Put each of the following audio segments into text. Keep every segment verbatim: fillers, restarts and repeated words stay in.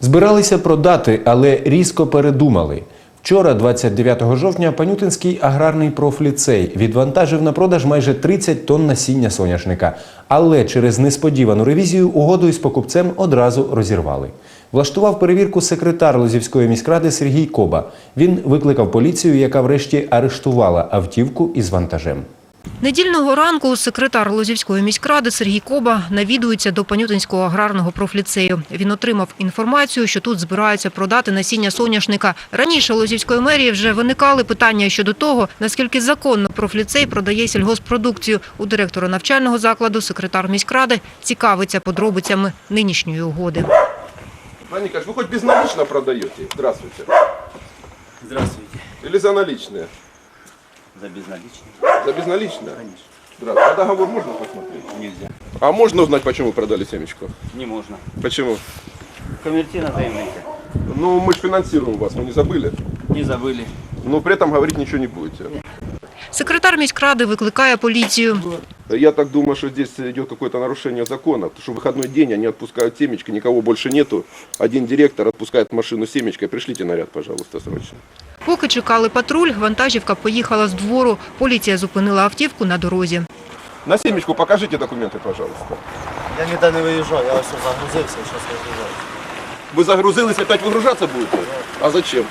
Збиралися продати, але різко передумали. Вчора, двадцять дев'ятого жовтня, Панютинський аграрний профліцей відвантажив на продаж майже тридцять тонн насіння соняшника. Але через несподівану ревізію угоду із покупцем одразу розірвали. Влаштував перевірку секретар Лозівської міськради Сергій Коба. Він викликав поліцію, яка врешті арештувала автівку із вантажем. Недільного ранку секретар Лозівської міськради Сергій Коба навідується до Панютинського аграрного профліцею. Він отримав інформацію, що тут збираються продати насіння соняшника. Раніше Лозівської мерії вже виникали питання щодо того, наскільки законно профліцей продає сільгосппродукцію. У директора навчального закладу секретар міськради цікавиться подробицями нинішньої угоди. Пане Николаевич, вы хоть безналично продаете? Здравствуйте. Здравствуйте. Или за наличные? За безналичные? За безналичные? Конечно. Здравствуйте. А договор можно посмотреть? Нельзя. А можно узнать, почему вы продали семечку? Не можно. Почему? Конвертина заявление. Ну, мы же финансируем вас, вы не забыли? Не забыли. Но при этом говорить ничего не будете. Секретар міськради викликає поліцію. Я так думаю, что здесь идет какое-то нарушение закона, потому что в выходной день они отпускают семечки, никого больше нету. Один директор отпускает машину с семечкой. Пришлите наряд, пожалуйста, срочно. Поки чекали патруль, вантажівка поїхала з двору. Поліція зупинила автівку на дорозі. На семечку покажите документы, пожалуйста. Я ніде не виїжджав, я ось загрузився і зараз виїжджаю. Вы загрузились, опять выгружаться будете? А зачем?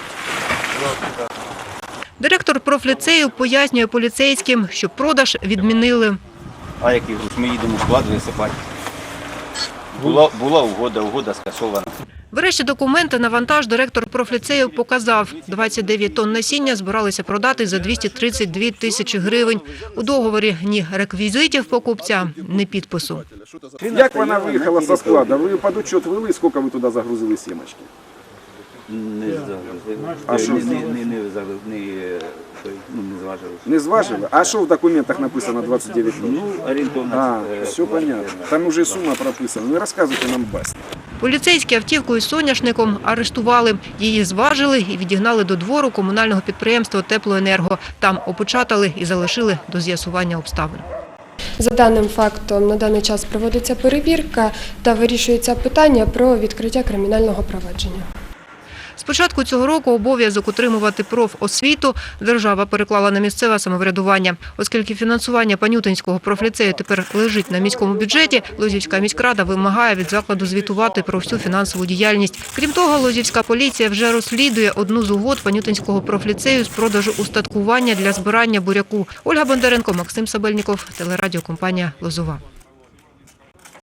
Директор профліцею пояснює поліцейським, що продаж відмінили. А який груз? Ми їдемо в склад висипати. Була, була угода, угода скасована. Врешті документи на вантаж директор профліцею показав. двадцять дев'ять тонн насіння збиралися продати за двісті тридцять дві тисячі гривень. У договорі ні реквізитів покупця, ні підпису. Як вона виїхала зі складу? Ви під учет вели, скільки ви туди загрузили сімочки? Не загрузили. А що? Не, не, не, не, загрузили, не, той, ну, не зважили. Не зважили? А що в документах написано двадцять дев'ять тонн? Ну, орієнтовно. А, е, все понятно. Там уже сума прописана. Не розказуйте нам басні. Поліцейські автівку із соняшником арештували. Її зважили і відігнали до двору комунального підприємства «Теплоенерго». Там опечатали і залишили до з'ясування обставин. За даним фактом на даний час проводиться перевірка та вирішується питання про відкриття кримінального провадження. З початку цього року обов'язок утримувати профосвіту держава переклала на місцеве самоврядування. Оскільки фінансування Панютинського профліцею тепер лежить на міському бюджеті, Лозівська міськрада вимагає від закладу звітувати про всю фінансову діяльність. Крім того, Лозівська поліція вже розслідує одну з угод Панютинського профліцею з продажу устаткування для збирання буряку. Ольга Бондаренко, Максим Сабельніков, телерадіокомпанія «Лозова».